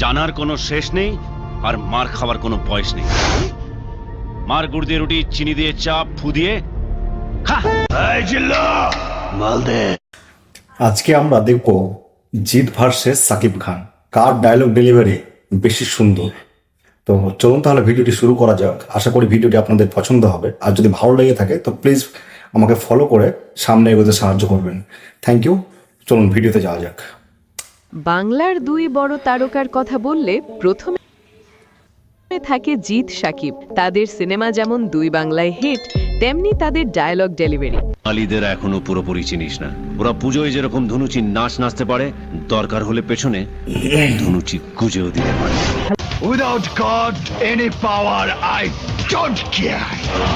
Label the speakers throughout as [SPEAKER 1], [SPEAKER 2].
[SPEAKER 1] জানার কোনো শেষ নেই আর মার খাবার কোনো বয়স নেই। মার গুড় দিয়ে রুটি, চিনি দিয়ে চা, ফু দিয়ে খা। এই জিল্লু, মাল দে।
[SPEAKER 2] আজকে আমরা দেখব জিৎ ভার্সেস সাকিব খান, কার ডায়লগ ডেলিভারি বেশি সুন্দর। তো চলুন তাহলে ভিডিওটি শুরু করা যাক। আশা করি ভিডিওটি আপনাদের পছন্দ হবে, আর যদি ভালো লেগে থাকে তো প্লিজ আমাকে ফলো করে সামনে এগোতে সাহায্য করবেন। Thank you. চলুন ভিডিওতে যাওয়া যাক।
[SPEAKER 3] বাংলার দুই বড় তারকার কথা বললে প্রথমে থাকে জিৎ সাকিব। তাদের সিনেমা যেমন দুই বাংলায় হিট, তেমনি তাদের ডায়লগ ডেলিভারি।
[SPEAKER 1] আলিদের এখনো পুরোপুরি চিনিস না। ওরা পুজোয় যেরকম ধনুচি নাচ নাচতে পারে, দরকার হলে পেছনে ধনুচি গুজেও দিতে পারে।
[SPEAKER 4] Without God, any power, I don't care.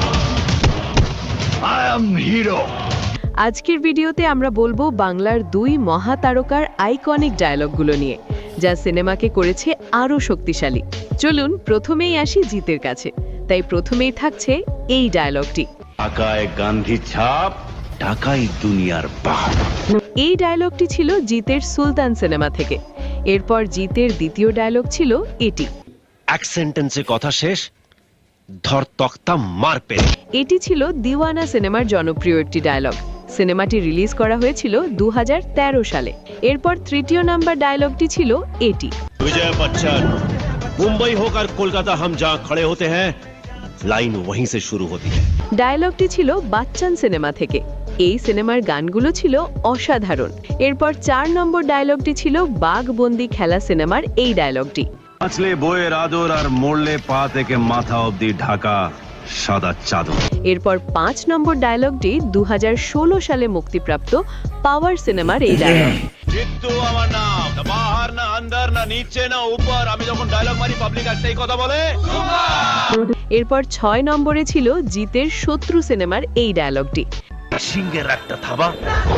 [SPEAKER 4] I am hero.
[SPEAKER 3] আজকের ভিডিওতে আমরা বলবো বাংলার দুই মহাতারকার আইকনিক ডায়লগগুলো নিয়ে, যা সিনেমাকে করেছে আরও শক্তিশালী। চলুন প্রথমেই আসি জিতের কাছে। তাই প্রথমেই থাকছে এই ডায়লগটি,
[SPEAKER 1] ঢাকায় গান্ধী ছাপ, ঢাকাই দুনিয়ার বাপ।
[SPEAKER 3] এই ডায়লগটি ছিল জিতের সুলতান সিনেমা থেকে। এরপর জিতের দ্বিতীয় ডায়লগ ছিল এটি,
[SPEAKER 1] এক সেন্টেন্সে কথা শেষ, ধর তক্তা মার পেরে।
[SPEAKER 3] এটি ছিল দিওয়ানা সিনেমার জনপ্রিয় একটি ডায়লগ। সিনেমাটি রিলিজ করা হয়েছিল 2013 সালে। এরপর তৃতীয় নাম্বার ডায়লগটি ছিল এটি,
[SPEAKER 1] विजय बच्चन, मुंबई होकर कोलकाता हम जहां खड़े होते हैं, लाइन वहीं से शुरू होती है।
[SPEAKER 3] ডায়লগটি ছিল বাচ্চান সিনেমা থেকে। এই সিনেমার গানগুলো ছিল অসাধারণ। এরপর 4 নম্বর ডায়লগটি ছিল বাঘবন্দি খেলা সিনেমার এই ডায়লগটি,
[SPEAKER 1] আসলে বইয়ের আদর আর মরলে পা থেকে মাথা অবধি ঢাকা সাদা চাদর।
[SPEAKER 3] এরপর 5 নম্বর ডায়লগটি 2016 সালে মুক্তিপ্রাপ্ত পাওয়ার সিনেমার এই ডায়লগ,
[SPEAKER 1] জিত্তু আমার নাম, না বাহার না আন্দার না নিচে না উপর, আমি যখন ডায়লগ মারি পাবলিক একটাই কথা বলে।
[SPEAKER 3] এরপর 6 নম্বরে ছিল জিতের শত্রু সিনেমার এই ডায়লগটি,
[SPEAKER 1] সিংহের একটা থাবা,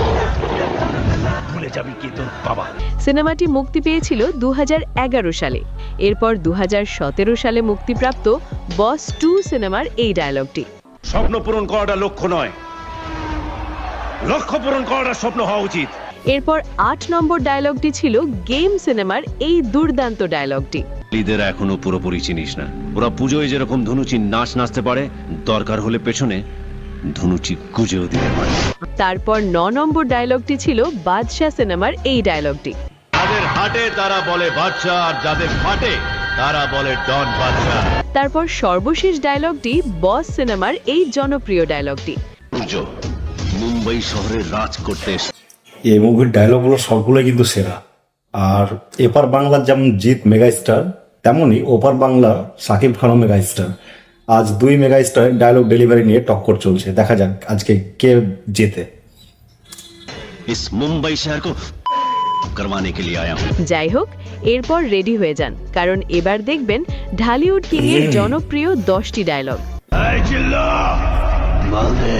[SPEAKER 1] ভুলে যাবি কি তোর বাবা।
[SPEAKER 3] সিনেমাটি মুক্তি পেয়েছিল 2011 সালে। এরপর 2017 সালে মুক্তিপ্রাপ্ত বস 2 সিনেমার এই ডায়লগটি,
[SPEAKER 1] স্বপ্ন পূরণ করাটা লক্ষ্য নয়, লক্ষ্য পূরণ করাটা স্বপ্ন হওয়া উচিত।
[SPEAKER 3] এরপর 8 নম্বর ডায়লগটি ছিল গেম সিনেমার এই দুর্দান্ত ডায়লগটি,
[SPEAKER 1] লিদের এখনো পুরোপুরি চিনিস না। ওরা পুজোয় যেরকম ধনুচি নাচ নাচতে পারে, দরকার হলে পেছনে ধনুচি গুজেও দিতে পারে।
[SPEAKER 3] তারপর 9 নম্বর ডায়লগটি ছিল বাদশা সিনেমার এই ডায়লগটি,
[SPEAKER 1] যাদের হাটে তারা বলে বাদশা, আর যাদের ফাটে তারা বলে ডন বাদশা।
[SPEAKER 3] তারপর সর্বশেষ ডায়লগটি বস সিনেমার এই জনপ্রিয় ডায়লগটি,
[SPEAKER 1] পুজো মুম্বাই শহরে রাজ করতে এসে।
[SPEAKER 2] এই মুভির ডায়লগগুলো সবগুলোই কিন্তু সেরা। আর এপার বাংলার যেমন জিৎ মেগা স্টার, তেমনই ওপার বাংলা সাকিব খানও মেগা স্টার। আজ দুই মেগা স্টার ডায়লগ ডেলিভারি নিয়ে টক্কর চলছে। দেখা যাক আজকে কে জেতে।
[SPEAKER 1] इस मुंबई शहर को करवाने के लिए आया हूं।
[SPEAKER 3] যাই হোক, এরপর রেডি হয়ে যান, কারণ এবার দেখবেন ঢালিউড কিং এর জনপ্রিয় 10টি ডায়লগ।
[SPEAKER 4] Hey, Jilla!
[SPEAKER 1] মালদে।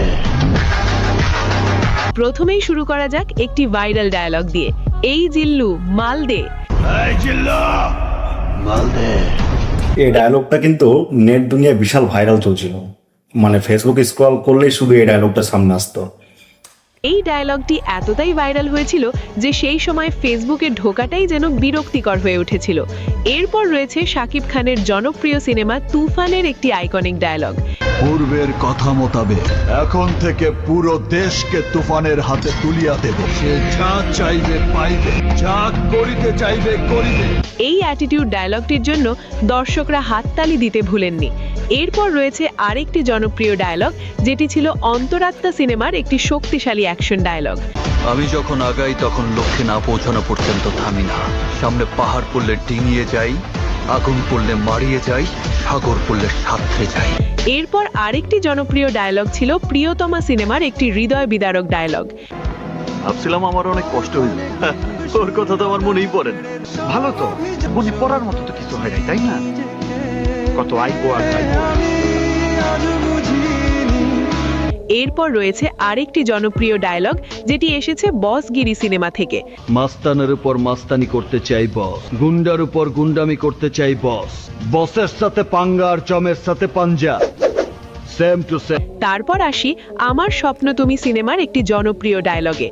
[SPEAKER 3] প্রথমেই শুরু করা যাক একটি ভাইরাল ডায়লগ দিয়ে, এই জিল্লু মাল দে।
[SPEAKER 4] Hey, Jilla!
[SPEAKER 1] মালদে।
[SPEAKER 2] এই ডায়লগটা কিন্তু নেট দুনিয়ায় বিশাল ভাইরাল চলছিল। মানে ফেসবুকে স্ক্রল করলেই শুধু এই ডায়লগটা সামনে আসতো।
[SPEAKER 3] এই ডায়লগটি এতটাই ভাইরাল হয়েছিল যে সেই সময় ফেসবুকে ঢোকাটাই যেন বিরক্তিকর হয়ে উঠেছিল। এরপর রয়েছে শাকিব খানের জনপ্রিয় সিনেমা তুফানের একটি আইকনিক ডায়লগ,
[SPEAKER 4] পূর্বের কথা মোতাবেক এখন থেকে পুরো দেশকে তুফানের হাতে তুলিয়া দেব। সে যা চাইবে পাইবে, যা করিতে চাইবে করিবে।
[SPEAKER 3] এই অ্যাটিটিউড ডায়লগটির জন্য দর্শকরা হাততালি দিতে ভুলেননি। এরপর রয়েছে আরেকটি জনপ্রিয় ডায়লগ, যেটি ছিল অন্তরাত্মা সিনেমার একটি শক্তিশালী অ্যাকশন ডায়লগ,
[SPEAKER 5] আমি যখন আগাই তখন লক্ষ্যে না পৌঁছানো পর্যন্ত থামি না। সামনে পাহাড় পড়লে ডিঙিয়ে যাই, আগুন পড়লে মারিয়ে যাই, সাগর পড়লে সাঁতরে যাই।
[SPEAKER 3] এরপর আরেকটি জনপ্রিয় ডায়লগ ছিল প্রিয়তমা সিনেমার একটি হৃদয় বিদারক ডায়লগ,
[SPEAKER 5] ভাবছিলাম আমার অনেক কষ্ট হইল, ওর কথা তো আমার মনেই পড়ে না।
[SPEAKER 6] ভালো তো, মনে পড়ার মতো তো কিছু হয় নাই, তাই না? কত আইবো আর যাইবো।
[SPEAKER 3] এরপর রয়েছে আরেকটি জনপ্রিয় ডায়লগ, যেটি এসেছে বসগিরি সিনেমা থেকে,
[SPEAKER 5] মাস্তানের উপর মাস্তানি করতে চাই বস, গুন্ডার উপর গুন্ডামি করতে চাই বস, বসের সাথে পাঙ্গা আর চমের সাথে পাঞ্জা, সেম টু সেম।
[SPEAKER 3] তারপর আসি আমার স্বপ্ন তুমি সিনেমার একটি জনপ্রিয় ডায়লগে,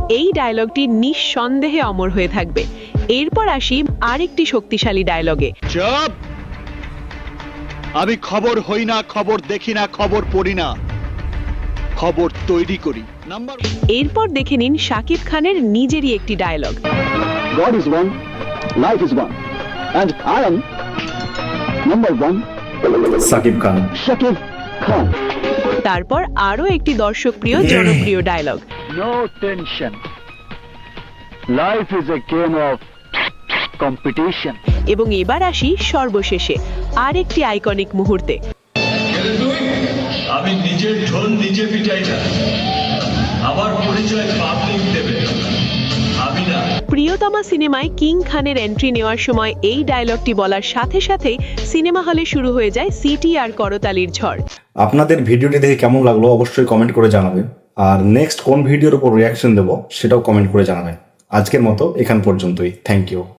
[SPEAKER 3] এই ডায়লগটি নিঃসন্দেহে অমর হয়ে থাকবে। এরপর আসি আরেকটি শক্তিশালী ডায়লগে।
[SPEAKER 4] চুপ! আমি খবর হই না, খবর দেখি না, খবর পড়ি না, খবর তৈরি করি। নাম্বার
[SPEAKER 3] এরপর দেখে নিন শাকিব খানের নিজেরই একটি dialogue.
[SPEAKER 7] God is one, life is one, and I am number one,
[SPEAKER 2] Shakib Khan.
[SPEAKER 7] Shakib Khan.
[SPEAKER 3] তারপর আরও একটি দর্শকপ্রিয় জনপ্রিয় dialogue.
[SPEAKER 7] No tension. Life is a game of competition.
[SPEAKER 3] এবং এবার আসি সর্বশেষে আরেকটি আইকনিক মুহূর্তে।
[SPEAKER 8] আমি নিজের ঢোল নিজে পিটাই না, আমার পরিচয় পাবলিক দেবে, আমি না।
[SPEAKER 3] প্রিয়তমা সিনেমায় কিং খানের এন্ট্রি নেওয়ার সময় এই ডায়লগটি বলার সাথে সাথেই সিনেমা হলে শুরু হয়ে যায় সিটি আর করতালির ঝড়।
[SPEAKER 2] আপনাদের ভিডিওটি দেখে কেমন লাগলো অবশ্যই কমেন্ট করে জানাবেন, আর নেক্সট কোন ভিডিওর উপর রিয়াকশন দেবো সেটাও কমেন্ট করে জানাবেন। আজকের মতো এখান পর্যন্তই। Thank you.